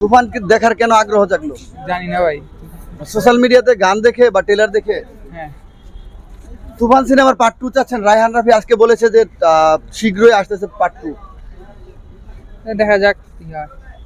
তুফান দেখার কেন আগ্রহ জাগলো? জানি না ভাই। সোশ্যাল মিডিয়াতে গান দেখে বা ট্রেলার দেখে? হ্যাঁ। তুফান সিনেমার পার্ট 2 চাচ্ছেন? রায়হান রাফি আজকে বলেছে যে শীঘ্রই আসতেছে পার্ট 2। দেখা যাক কি হয়।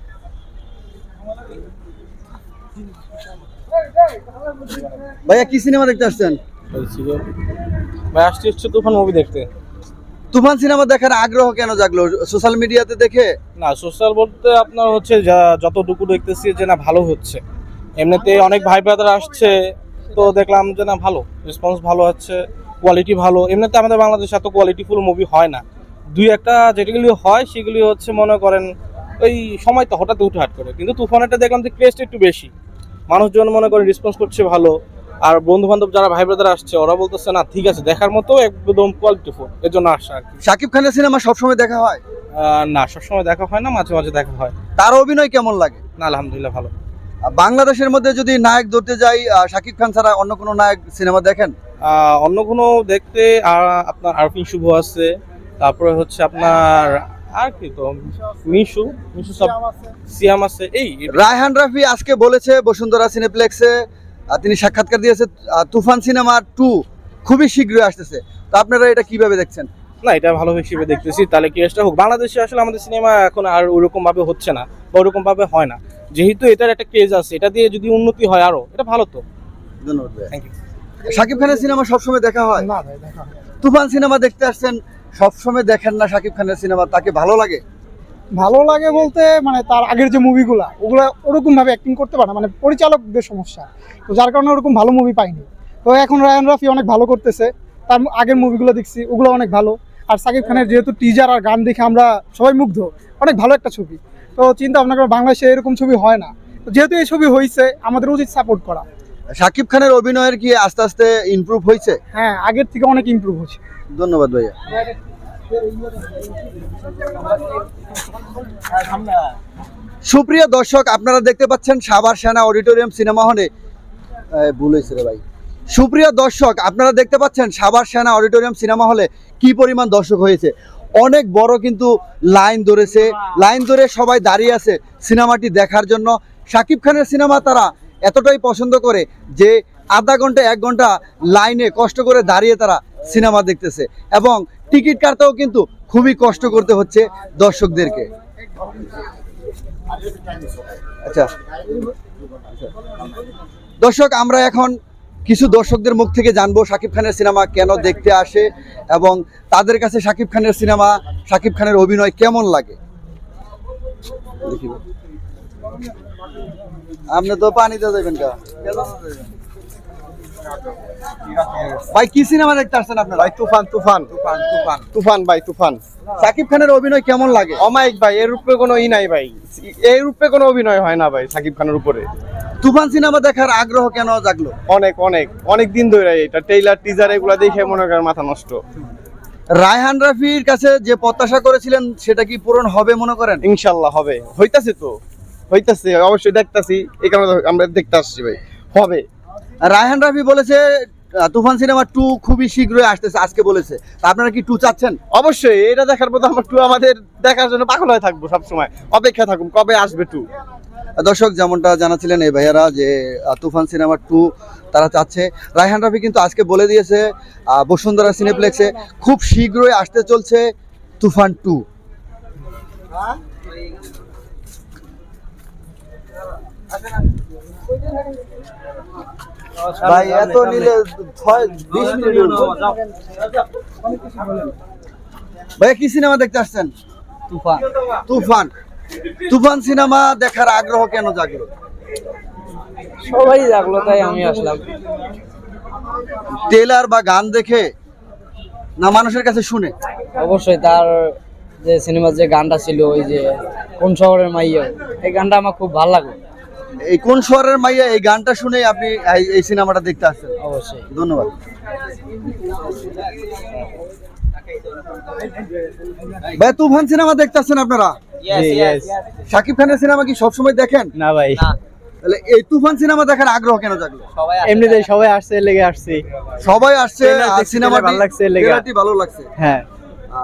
ভাইয়া কি সিনেমা দেখতে আসছেন? ভাই আসছি হচ্ছে তুফান মুভি দেখতে। তুফান সিনেমা দেখার আগ্রহ কেন জাগলো? সোশ্যাল মিডিয়াতে দেখে? না, সোশ্যাল বলতে আপনার হচ্ছে যতটুকু দেখতেছি যে না ভালো হচ্ছে, এমনিতে অনেক ভাই ব্রাদার আসছে, তো দেখলাম যে না ভালো রেসপন্স, ভালো হচ্ছে, কোয়ালিটি ভালো। এমনিতে আমাদের বাংলাদেশে এত কোয়ালিটিফুল মুভি হয় না, দুই একটা যেগুলি হয় সেগুলি হচ্ছে মনে করেন ওই সময় তো হঠাৎ উঠে হাট করে। কিন্তু তুফানেরটা দেখলাম যে ক্রেস্ট একটু বেশি, মানুষজন মনে করেন রেসপন্স করছে ভালো। আর বন্ধু বান্ধব যারা ভাই ব্রাদার আসছে ওরা বলতেছে না ঠিক আছে, দেখার মতো একদম কোয়ালিটিফুল, এর জন্য আসা আর কি। শাকিব খানের সিনেমা সবসময় দেখা হয়? না, সবসময় দেখা হয় না, মাঝে মাঝে দেখা হয়। তার অভিনয় কেমন লাগে? না, আলহামদুলিল্লাহ ভালো। বাংলাদেশের মধ্যে যদি নায়ক ধরতে যাই, শাকিব খান ছাড়া অন্য কোনো নায়ক সিনেমা দেখেন? অন্য কোনো দেখতে আপনার আরফিন শুভ আছে, তারপরে হচ্ছে আপনার আর কি তো মিশু সব সিয়াম আছে। এই রায়হান রাফি আজকে বলেছে বসুন্ধরা সিনেপ্লেক্সে, তিনি সাক্ষাৎকার দিয়েছে তুফান সিনেমা 2 খুবই শীঘ্রই আসতেছে। তো আপনারা এটা কিভাবে দেখছেন? না, এটা ভালো হিসেবে দেখতেছি, তাহলে কি এটা হোক। বাংলাদেশে আসলে আমাদের সিনেমা এখন আর ওরকম ভাবে হচ্ছে না বা ওরকম ভাবে হয় না, যেহেতু এটার একটা ক্রেজ আছে, এটা দিয়ে যদি উন্নতি হয় আরো, এটা ভালো। তো ধন্যবাদ। Thank you. শাকিব খানের সিনেমা সবসময় দেখা হয়? না ভাই, দেখা হয়। তুফান সিনেমা দেখতে আসছেন, সবসময় দেখেন না শাকিব খানের সিনেমা? তাকে ভালো লাগে? ভালো লাগে বলতে মানে তার আগের যে মুভিগুলা ওগুলা ওরকম ভাবে অ্যাক্টিং করতে পারে না, মানে পরিচালকদের সমস্যা, তো যার কারণে ওরকম ভালো মুভি পাইনি। তো এখন রায়হান রাফি অনেক ভালো করতেছে, তার আগের মুভিগুলো দেখছি ওগুলো অনেক ভালো। আর সাকিব খানের যেহেতু টিজার আর গান দেখে আমরা সবাই মুগ্ধ, অনেক ভালো একটা ছবি। তো চিন্তা ভাবনা করে বাংলাদেশে এরকম ছবি হয় না, তো যেহেতু এই ছবি হয়েছে আমাদের উচিত সাপোর্ট করা। শাকিব খানের অভিনয়ের কি আস্তে আস্তে ইমপ্রুভ হয়েছে? হ্যাঁ, আগের থেকে অনেক ইমপ্রুভ হচ্ছে। ধন্যবাদ ভাইয়া। সুপ্রিয় দর্শক, আপনারা দেখতে পাচ্ছেন সাভার সেনা অডিটোরিয়াম সিনেমা হলে, ভুল হয়েছে রে ভাই। সুপ্রিয় দর্শক, আপনারা দেখতে পাচ্ছেন সাভার সেনা অডিটোরিয়াম সিনেমা হলে কি পরিমাণ দর্শক হয়েছে। অনেক বড় কিন্তু লাইন ধরেছে, লাইন ধরে সবাই দাঁড়িয়ে আছে সিনেমাটি দেখার জন্য। শাকিব খানের সিনেমা তারা এতটাই পছন্দ করে যে আধা ঘন্টা 1 ঘন্টা লাইনে কষ্ট করে দাঁড়িয়ে তারা সিনেমা দেখতেছে, এবং টিকিট কাটতেও কিন্তু খুবই কষ্ট করতে হচ্ছে দর্শকদেরকে। আচ্ছা দর্শক, আমরা এখন কিছু দর্শকদের মুখ থেকে জানবো শাকিব খানের সিনেমা কেন দেখতে আসে এবং তাদের কাছে শাকিব খানের সিনেমা, শাকিব খানের অভিনয় কেমন লাগে। আপনি তো পানিতে যাবেন কা ভাই? কি সিনেমা দেখতে আসছেন আপনারা? ভাই তুফান ভাই, তুফান। শাকিব খানের অভিনয় কেমন লাগে? অমায়িক ভাই, এর উপরে কোনো নাই ভাই, এই রূপে কোনো অভিনয় হয় না ভাই সাকিব খানের উপরে। তুফান সিনেমা দেখার আগ্রহ কেন জাগলো? অনেক দিন ধরে এটা ট্রেইলার টিজার এগুলা দেখে মনে করেন মাথা নষ্ট। রায়হান রাফির কাছে যে প্রত্যাশা করেছিলেন সেটা কি পূরণ হবে মনে করেন? ইনশাল্লাহ হবে, হইতাছে অবশ্যই দেখতাছি, এই কারণে আমরা দেখতে আসছি ভাই, হবে। রায়হান রাফি বলেছে তুফান সিনেমা 2 খুবই শীঘ্রই আসতেছে, আজকে বলেছে। তা আপনারা কি 2 চাচ্ছেন? অবশ্যই এটা দেখার পর আমরা 2 আমাদের দেখার জন্য পাগল হয়ে থাকবো, সবসময় অপেক্ষা থাকুন কবে আসবে 2। দর্শক, যেমনটা জানাচ্ছিলেন এই ভাইয়ারা যে তুফান সিনেমা 2 তারা চাচ্ছে। রায়হান রাফি কিন্তু আজকে বলে দিয়েছে বসুন্ধরা সিনেপ্লেক্সে খুব শীঘ্রই আসতে চলছে তুফান 2। ভাই এত নিলে 20 মিনিট। ভাইয়া কি সিনেমা দেখতে আসছেন? তুফান সিনেমা দেখার আগ্রহ কেন জাগলো? সবাই জাগলো তাই আমি আসলাম। ট্রেলার বা গান দেখে না মানুষের কাছে শুনে? অবশ্যই তার যে সিনেমার যে গানটা ছিল, ওই যে কোন শহরের মাইয়া, এই গানটা আমার খুব ভালো লাগে। এই কোন শহরের মাইয়া এই গানটা শুনে আপনি এই সিনেমাটা দেখতে আসছেন? অবশ্যই। ধন্যবাদ। ভাই তুফান সিনেমা দেখতে আসছেন আপনারা? শাকিব খানের সিনেমা কি সবসময় দেখেন? না ভাই। তাহলে এই তুফান সিনেমা দেখার আগ্রহ কেন জাগলো? এমনিতেই সবাই আসছে, লেগে আসছে, সবাই আসছে, সিনেমাটি ভালো লাগছে, ট্রেলারটি ভালো লাগছে। হ্যাঁ।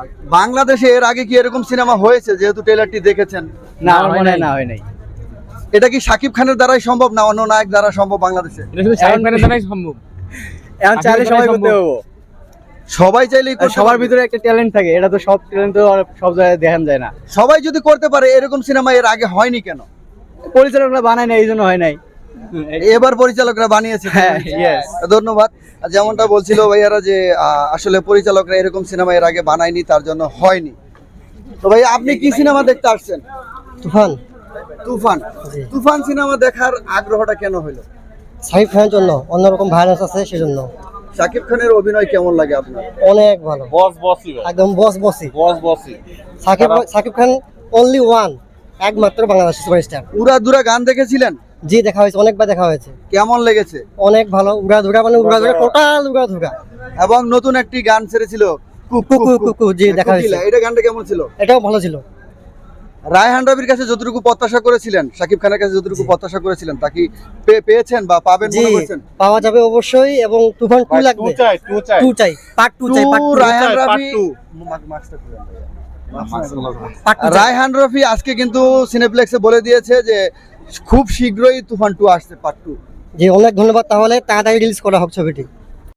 বাংলাদেশে এর আগে কি এরকম সিনেমা হয়েছে যেহেতু ট্রেলারটি দেখেছেন? না, আমার মনে হয় না, হয় নাই। এটা কি শাকিব খানের দ্বারাই সম্ভব না অন্য নায়ক দ্বারা সম্ভব বাংলাদেশে? এটা শুধু শাকিব খানের দ্বারাই সম্ভব। এখন চাইলে সবাই করতে পারবো। সবাই চাইলেই করতে সবার পারবে। ভিতরে একটা ট্যালেন্ট থাকে, এটা তো সব ট্যালেন্ট তো আর সব জায়গায় দেখান যায় না। সবাই যদি করতে পারে এরকম সিনেমা এর আগে হয়নি কেন? পরিচালকরা বানায় না, এই জন্য হয় নাই। এবার পরিচালকরা বানিয়েছে। হ্যাঁ, yes. ধন্যবাদ। আর যেমনটা বলছিল ভাইয়ারা যে আসলে পরিচালকরা এরকম সিনেমা এর আগে বানায়নি, তার জন্য হয়নি। তো ভাই আপনি কি সিনেমা দেখতে আসছেন? তুফান। তুফান। তুফান সিনেমা দেখার আগ্রহটা কেন হলো? সাকিব খানের জন্য অন্যরকম ভাইরাস আছে সেজন্য। শাকিব খানের অভিনয় কেমন লাগে আপনার? অনেক ভালো, বস বসই একদম বস বসি। সাকিব খান অনলি ওয়ান, একমাত্র বাংলাদেশের সুপারস্টার। উড়াধুরা গান দেখেছিলেন? জি দেখা হয়েছে, অনেকবার দেখা হয়েছে। কেমন লেগেছে? অনেক ভালো, উড়াধুরা মানে উড়াধুরা, টোটাল উড়াধুরা। এবং নতুন একটি গান ছেড়েছিল কুকু কুকু, জি দেখা হয়েছে। কোকিলা, এটা গানটা কেমন ছিল? এটাও ভালো ছিল। রায়হান রবির কাছে যতটুকু প্রত্যাশা করেছিলেন, শাকিব খানের কাছে যতটুকু প্রত্যাশা করেছিলেন, তা কি পেয়েছেন বা পাবেন জি মনে করছেন? পাওয়া যাবে অবশ্যই, এবং তুফান 2 লাগবে। 2 চাই, পার্ট 2 চাই, পার্ট 2। রায়হান রবি রায়হান রফি আজকে কিন্তু সিনেপ্লেক্সে বলে দিয়েছে যে খুব শীঘ্রই তুফান 2 আসছে, পার্ট 2। জি অনেক ধন্যবাদ, তাহলে তাড়াতাড়ি রিলিজ করা হোক ছবিটি।